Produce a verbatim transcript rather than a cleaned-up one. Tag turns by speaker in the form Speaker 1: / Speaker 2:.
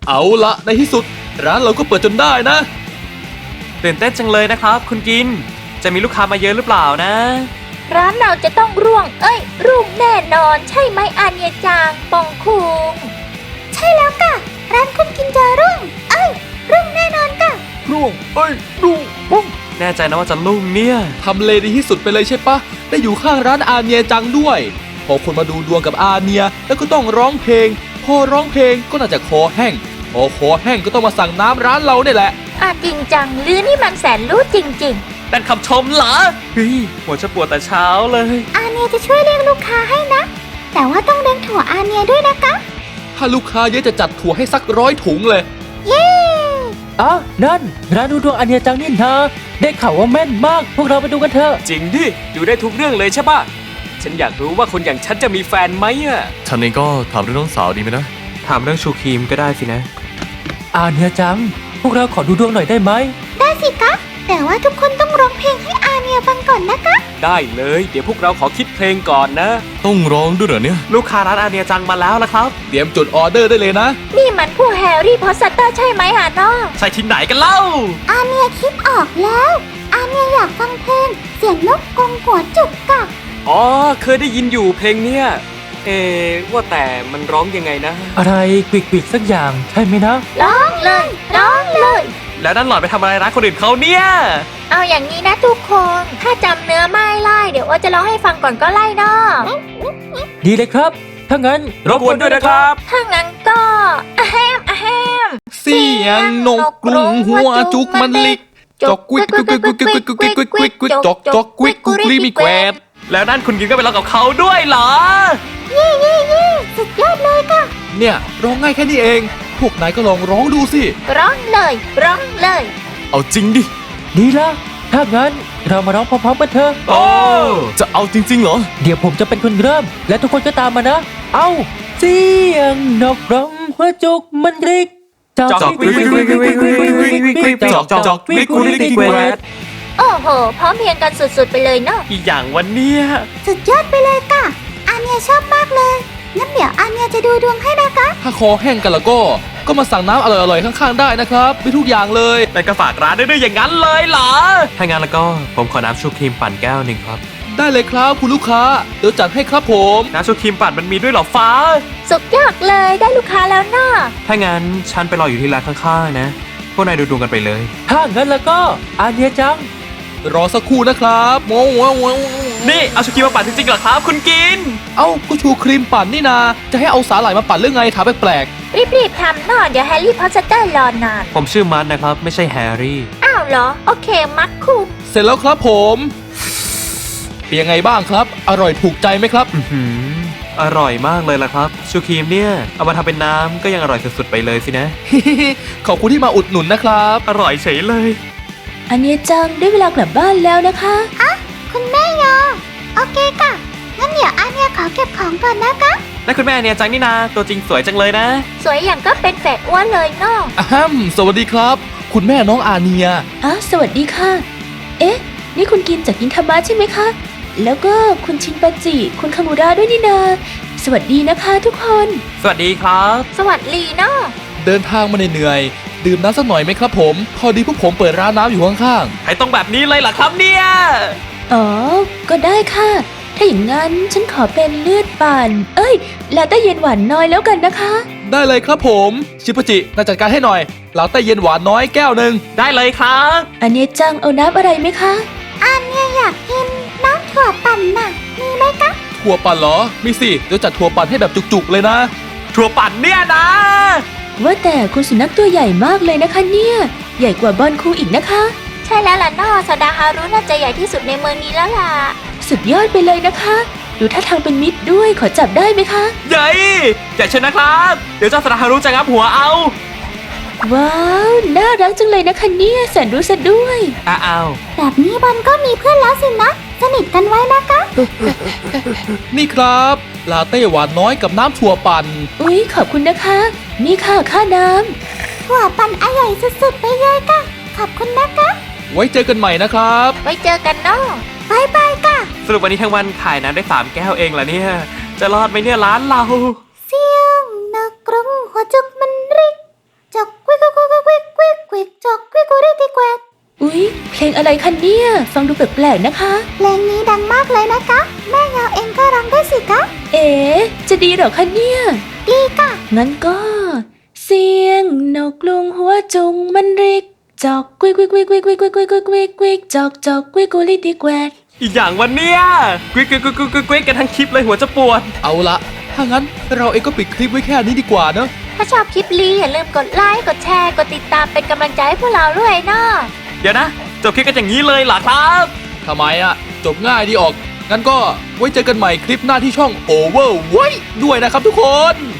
Speaker 1: เอาละในที่สุดร้านเราก็เปิดจนได้นะ
Speaker 2: ตื่นเต้นจังเลยนะครับคุณกินจะมีลูกค้ามาเยอะหรือเปล่านะ
Speaker 3: ร้านเราจะต้องร่วงเอ้ยรุ่งแน่นอนใช่ไหมอาเนียจางปองคุงใช่แล้วค่ะร้านคุณกินจะรุ่งเอ้ยรุ่งแน่นอนค่ะ
Speaker 1: รุ่งเอ้ยรุ่งรุ่ง
Speaker 2: แน่ใจนะว่าจะรุ่งเนี่ย
Speaker 1: ทำเลดีที่สุดไปเลยใช่ปะได้อยู่ข้างร้านอาเนียจังด้วยพอคนมาดูดวงกับอาเนียแล้วก็ต้องร้องเพลงพอร้องเพลงก็น่าจะคอแห้งพอคอแห้งก็ต้องมาสั่งน้ำร้านเราเนี่ยแหละ
Speaker 3: อ่ะจริงจังหรือนี่มันแสนรู้จริง
Speaker 2: ๆเป็นคำชมเหรอเฮ้ยหัวจะปวดแต่เช้าเลย
Speaker 3: อาเนียจะช่วยเลี้ยงลูกค้าให้นะแต่ว่าต้องเลี้ยงถั่วอาเนียด้วยนะคะ
Speaker 1: ถ้าลูกค้าเยอะจะจัดถั่วให้สักร้อยถุงเลย
Speaker 3: เย้
Speaker 4: อ๋อนั่นร้านดูดวงอาเนียจังนี่นะได้ข่าวว่าแม่นมากพวกเราไปดูกันเถอะ
Speaker 2: จริงดิดูได้ทุกเรื่องเลยใช่ปะฉันอยากรู้ว่าคนอย่างฉันจะมีแฟนไหมอ่ะ
Speaker 5: ฉันเองก็ถามเรื่องน้องสาวดีไหมนะ
Speaker 2: ถามเรื่องชูครีมก็ได้สินะ
Speaker 4: อาเนียจังพวกเราขอดูดวงหน่อยได้ไหม
Speaker 3: ได้สิคะแต่ว่าทุกคนต้องร้องเพลงให้อาเนียฟังก่อนนะคะ
Speaker 2: ได้เลยเดี๋ยวพวกเราขอคิดเพลงก่อนนะ
Speaker 5: ต้องร้องด้วยเหรอเนี่ย
Speaker 2: ลูกค้าร้านอาเนียจังมาแล้วละครับ
Speaker 1: เตรียมจดออเดอร์ได้เลยนะ
Speaker 3: นี่มันผู้แฮร์รี่พอตเตอร์ใช่ไหมฮะน้อง
Speaker 2: ใช่ที่ไหนกันเล่า
Speaker 3: อาเนียคิดออกแล้วอาเนียอยากฟังเพลงเสียงนกกงหัวจุกกะ
Speaker 2: อ๋อเคยได้ยินอยู่เพลงเนี้ยเอว่าแต่มันร้องยังไงนะ
Speaker 4: อะไรกวิกๆสักอย่างใช่ไหมนะ
Speaker 3: ร้องเลยร้องเลย
Speaker 2: แล้วนั่นหล่อนไปทำอะไรร้านคนอื่นเขาเนี่ย
Speaker 3: เอาอย่างนี้นะทุกคนถ้าจำเนื้อไม่ไล่เดี๋ยวว่าจะร้องให้ฟังก่อนก็ไล่เนาะ
Speaker 4: ดีเลยครับถ้างั้น
Speaker 2: รบกวนด้วยนะครับ
Speaker 3: ถ้างั้นก็อะแฮมอะแฮม
Speaker 1: เสียงนกกรุงหัวจุกมันลิกจอกกวิกกวิกกวิกกวิกกวิกกวิกกวิกกวิกกวิกจอกจอกกวิกกุกลีมีแกวด
Speaker 2: แล้วนั่นคุณกินก็ไปร้องกับเขาด้วยเหรอ
Speaker 3: เย่เย่เย่สุดยอดเลยค่ะ
Speaker 1: เนี่ยร้องง่ายแค่นี้เองพวกนายก็ลองร้องดูสิ
Speaker 3: ร้องเลยร้องเลย
Speaker 5: เอาจริงดิ
Speaker 4: ดีละถ้างั้นเรามาร้องพร้อมๆกันเถอะ
Speaker 2: โอ้
Speaker 5: จะเอาจริงๆเหรอ
Speaker 4: เดี๋ยวผมจะเป็นคนเริ่มและทุกคนก็ตามมานะเอาเสียงนกร้องหัวจุกมันริก
Speaker 2: จอกจอกวิกวิกวิกวิกวิกวิกวิกวิกวิกจอกจอกวิกกุลิกแกวด
Speaker 3: โอ้โหพร้อมเพรียงกันสุดๆไปเลยเนาะ
Speaker 2: อีกอย่างวันนี้
Speaker 3: สุดยอดไปเลยค่ะอาเนียชอบมากเลยงั้นเดี๋ยวอาเนียจะดูดวงให้นะคะ
Speaker 1: ถ้าคอแห้งกันแล้วก็ก็มาสั่งน้ำอร่อยๆข้างๆได้นะครับมีทุกอย่างเลย
Speaker 2: แต่ก็ฝากร้านได้ด้วยอย่างนั้นเลยเหรอถ้างั้นแล้วก็ผมขอน้ำชูครีมปั่นแก้วหนึ่งครับ
Speaker 1: ได้เลยครับคุณลูกค้าเดี๋ยวจัดให้ครับผม
Speaker 2: น้ำชูครีมปั่นมันมีด้วยเหรอฟ้า
Speaker 3: สุดยอดเลยได้ลูกค้าแล้วเนาะ
Speaker 2: ถ้างั้นฉันไปรออยู่ที่ร้านข้างๆนะพวกนายดูดวงกันไปเลย
Speaker 4: ถ้างั้นแล้วก็อาเนียจัง
Speaker 1: รอสักครู่นะครับว้าวว้าวว้าว
Speaker 2: นี่เอาชูครีมมาปั่นจริงๆเหรอครับคุณกิน
Speaker 1: เอ้าก็ชูครีมปั่นนี่นาจะให้เอาสาหร่ายมาปั่นเรื่องไงถามแปลก
Speaker 3: ๆรีบๆทำหน่อยเดี๋ยวแฮร์รี่พอตเตอร์รอนาน
Speaker 2: ผมชื่อมัดนะครับไม่ใช่แฮร์รี่
Speaker 3: อ้าวเหรอโอเคมัดคุ
Speaker 1: เสร็จแล้วครับผมเป็นยังไงบ้างครับอร่อยถูกใจไหมครับ
Speaker 2: อืออร่อยมากเลยล่ะครับชูครีมเนี่ยเอามาทำเป็นน้ำก็ยังอร่อยสุดๆไปเลยสินะ
Speaker 1: ขอบคุณที่มาอุดหนุนนะครับ
Speaker 2: อร่อยเฉยเลย
Speaker 6: อาเนียจังได้เวลากลับบ้านแล้วนะคะ
Speaker 3: อ่ะคุณแม่ยอโอเคค่ะงั้นเดี๋ยวอาเนียขอเก็บของก่อนนะคะ
Speaker 2: และคุณแม่อาเนียจังนี่นาตัวจริงสวยจังเลยนะ
Speaker 3: สวยอย่างก็เป็นแฝดอ้วนเลยเนาะ
Speaker 1: อะฮัมสวัสดีครับคุณแม่น้องอาเนีย
Speaker 6: อ่ะสวัสดีค่ะเอ๊ะนี่คุณกินจากกินคามะใช่ไหมคะแล้วก็คุณชินปาจิคุณคามูระด้วยนี่นาสวัสดีนะคะทุกคน
Speaker 2: สวัสดีครับ
Speaker 3: สวัสดีเนาะ
Speaker 1: เดินทางมาเหนื่อยดื่มน้ำสักหน่อยไหมครับผมพอดีพวกผมเปิดร้านน้ำอยู่ข้าง
Speaker 2: ๆให้ต้องแบบนี้เลยเหรอครับเนี่ย
Speaker 6: อ๋อก็ได้ค่ะถ้าอย่างนั้นฉันขอเป็นเลือดปั่นเอ้ยลาเต้เย็นหวานน้อยแล้วกันนะคะ
Speaker 1: ได้เลยครับผมชิปจิน่าจัดการให้หน่อยลาเต้เย็นหวานน้อยแก้วหนึ่ง
Speaker 2: ได้เลยครับ
Speaker 6: อันนี้จังเอาน้ำอะไรไหมคะ
Speaker 3: อันนี้อยากกินน้ำถั่วปั่นน่ะมีไหมคะ
Speaker 1: ถั่วปั่นเหรอมีสิเดี๋ยวจัดถั่วปั่นให้แบบจุกๆเลยนะ
Speaker 2: ถั่วปั่นเนี่ยนะ
Speaker 6: ว่าแต่คุณสุนัขตัวใหญ่มากเลยนะคะเนี่ยใหญ่กว่าบอนคูอีกนะคะ
Speaker 3: ใช่แล้วล่ะน้อซาดาฮารุน่าจะใหญ่ที่สุดในเมืองนี้แล้วล่ะ
Speaker 6: สุดยอดไปเลยนะคะดูท่าทางเป็นมิตรด้วยขอจับได้ไหมคะ
Speaker 2: ใหญ่ใหญ่เชนนะครับเดี๋ยวเจ้าซาดาฮารุจะงับหัวเอา
Speaker 6: ว้าวน่ารักจังเลยนะคะเนี่ยแสนรู้ซะด้วย
Speaker 2: อ้าว
Speaker 3: แบบนี้บอลก็มีเพื่อนแล้วสินะสนิทกันไว้นะคะ
Speaker 1: นี่ครับลาเต้หวานน้อยกับน้ำถั่วปั่น
Speaker 6: อุ๊ยขอบคุณนะคะนี่ค่ะค่าน้ำ
Speaker 3: ถั่วปั่นอร่อยสุดๆไปเลยค่ะขอบคุณนะคะ
Speaker 1: ไว้เจอกันใหม่นะครับ
Speaker 3: ไว้เจอกันเนาะบายบายค่ะ
Speaker 2: สรุปวันนี้ทั้งวันขายน้ำได้สามแก้วเองเหรอเนี่ยจะรอดไหมเนี่ยร้านเรา
Speaker 3: เสียงนกกรงหัวจุกมันริก
Speaker 6: เพลงอะไรคะเนี่ย ฟังดูแปลกๆนะคะ
Speaker 3: เพลงนี้ดังมากเลยนะคะ แม่เงาเองก็ร้องด้วยสิคะ
Speaker 6: เอ๋จะดีเหรอคะเนี่ย
Speaker 3: ดีค่ะ
Speaker 6: งั้นก็ เสียงนกกรุงหัวจุงมันริก จอกกวิกวิกวิกวิกวิกวิกวิกวิกวิกวิกจอกจอกกวิกกุลิติแกวด
Speaker 2: อีกอย่างวันเนี้ยกวิกกวิกกวิกกวิกกวิกกวิกกันทั้งคลิปเลยหัวจะปวด
Speaker 1: เอาละถ้างั้นเราเองก็ปิดคลิปไว้แค่นี้ดีกว่าเนอะ
Speaker 3: ถ้าชอบคลิปลีอย่าลืมกดไลค์ กดแชร์ กดติดตามเป็นกำลังใจให้พวกเราด้วยเนาะ
Speaker 2: เดี๋ยวนะจบคลิปกันอย่างนี้เลยเหรอครับ
Speaker 1: ทำไมอะจบง่ายดีออก งั้นก็ไว้เจอกันใหม่คลิปหน้าที่ช่อง Over ไว้ด้วยนะครับทุกคน